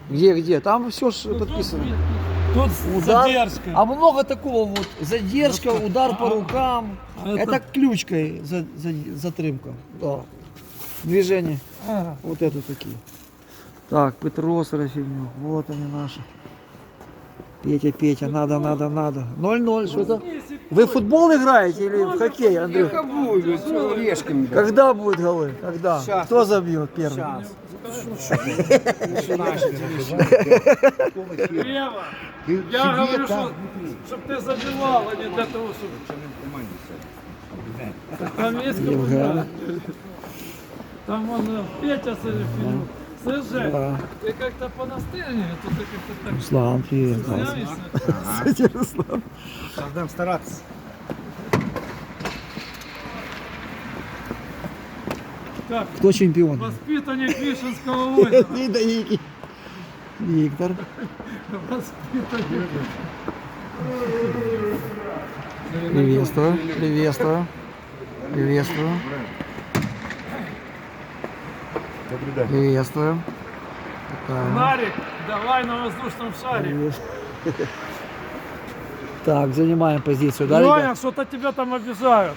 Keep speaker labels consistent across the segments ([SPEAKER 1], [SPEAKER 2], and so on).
[SPEAKER 1] Где? Там все ж подписано.
[SPEAKER 2] Тут
[SPEAKER 1] Удар.
[SPEAKER 2] задержка.
[SPEAKER 1] А много такого вот. Задержка, удар по рукам.
[SPEAKER 2] А
[SPEAKER 1] Это ключкой затримка. Да. Движение.
[SPEAKER 2] Ага.
[SPEAKER 1] Вот это такие. Так, Петрос, Рафинюк. Вот они наши. Петя, надо. 0-0, что это? Вы в футбол играете или в хоккей, Андрей? Когда будут голы? Когда? Кто забьет первый?
[SPEAKER 2] Ева, я говорю, чтобы ты забивал, а не для того, чтобы... Там есть капитан. Там он Петя Сарафинюк. Слушай,
[SPEAKER 1] Да.
[SPEAKER 2] ты как-то понастырнее, тут ты как-то так
[SPEAKER 1] Руслан, привет.
[SPEAKER 2] снявишься.
[SPEAKER 1] Руслан.
[SPEAKER 3] Будем стараться.
[SPEAKER 2] Как?
[SPEAKER 1] Кто чемпион?
[SPEAKER 2] Воспитанник Вишенского озера.
[SPEAKER 1] Виктор.
[SPEAKER 2] Воспитанник.
[SPEAKER 1] Приветствую.
[SPEAKER 3] Добрый день.
[SPEAKER 1] Приветствую. Такая.
[SPEAKER 2] Нарик, давай на воздушном шаре.
[SPEAKER 1] Так, занимаем позицию, да,
[SPEAKER 2] Леня,
[SPEAKER 1] ребят?
[SPEAKER 2] что-то тебя там обижают.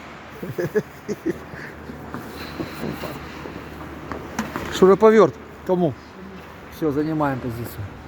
[SPEAKER 1] Шуруповерт. Кому? Все, занимаем позицию.